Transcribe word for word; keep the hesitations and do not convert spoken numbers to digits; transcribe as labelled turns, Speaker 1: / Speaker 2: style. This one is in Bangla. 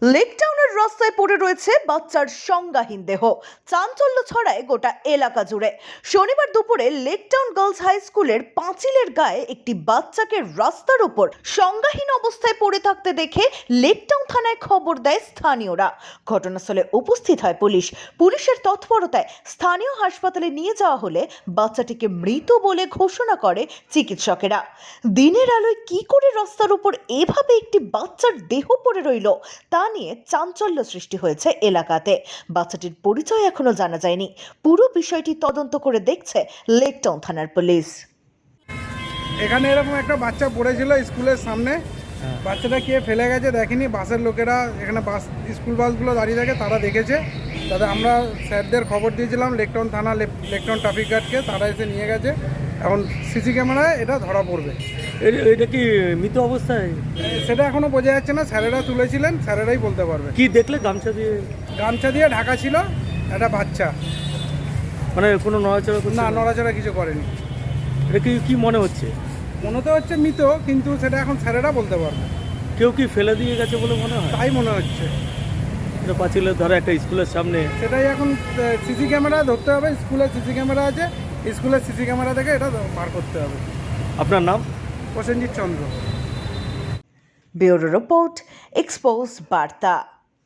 Speaker 1: লেকটাউনের রাস্তায় পড়ে রয়েছে বাচ্চার সংজ্ঞাহীন দেহ। চাঞ্চল্য ছড়ায় গোটা এলাকা জুড়ে। শনিবার দুপুরে লেকটাউন গার্লস হাই স্কুলের পাঁচিলের গায়ে একটি বাচ্চাকে রাস্তার উপর সংজ্ঞাহীন অবস্থায় পড়ে থাকতে দেখে লেকটাউন থানায় খবর দেয় স্থানীয়রা। ঘটনাস্থলে উপস্থিত হয় পুলিশ। পুলিশের তৎপরতায় স্থানীয় হাসপাতালে নিয়ে যাওয়া হলে বাচ্চাটিকে মৃত বলে ঘোষণা করে চিকিৎসকেরা। দিনের আলোয় কি করে রাস্তার উপর এভাবে একটি বাচ্চার দেহ পড়ে রইল তা নিয়ে চাঞ্চল্য সৃষ্টি হয়েছে এলাকাতে। বাচ্চাটির পরিচয় এখনো জানা যায়নি। পুরো বিষয়টি তদন্ত করে দেখছে লেকটাউন থানার পুলিশ।
Speaker 2: এখানে এরকম একটা বাচ্চা পড়েছিল স্কুলের সামনে। বাচ্চাটা কে ফেলে গেছে দেখেনি, বাসের লোকেরা, এখানে বাস স্কুল বাসগুলো দাঁড়িয়ে থাকে, তারা দেখেছে। তাতে আমরা স্যারদের খবর দিয়েছিলাম লেকটাউন থানা, লেকটাউন ট্রাফিক গার্ডকে, তারা এসে নিয়ে গেছে। এখন সিসি ক্যামেরায় এটা ধরা পড়বে।
Speaker 3: এটা কি মৃত অবস্থায়?
Speaker 2: সেটা এখনো বোঝা যাচ্ছে না, স্যারেরা তুলেছিলেন, স্যারেরাই বলতে পারবে।
Speaker 3: কি দেখলে? গামছা দিয়ে
Speaker 2: গামছা দিয়ে ঢাকা ছিল, একটা বাচ্চা,
Speaker 3: মানে কোনো নড়াচড়া করছে
Speaker 2: না
Speaker 3: না?
Speaker 2: নড়াচড়া কিছু করেনি।
Speaker 3: এটা কি কি মনে হচ্ছে?
Speaker 2: মনে তো হচ্ছে মৃত, কিন্তু সেটা এখন স্যারেরা বলতে পারবে।
Speaker 3: কেউ কি ফেলে দিয়ে গেছে বলে মনে হয়?
Speaker 2: তাই মনে হচ্ছে।
Speaker 3: এটা পাঁচিলের ধারে একটা স্কুলের সামনে।
Speaker 2: সেটাই এখন সিসি ক্যামেরা ধরতে হবে। স্কুলের সিসি ক্যামেরা আছে, স্কুলের সিসি ক্যামেরা থেকে এটা বার করতে হবে।
Speaker 3: আপনার নাম?
Speaker 2: Prasenjit Chandra.
Speaker 1: Bureau report, expose বার্তা।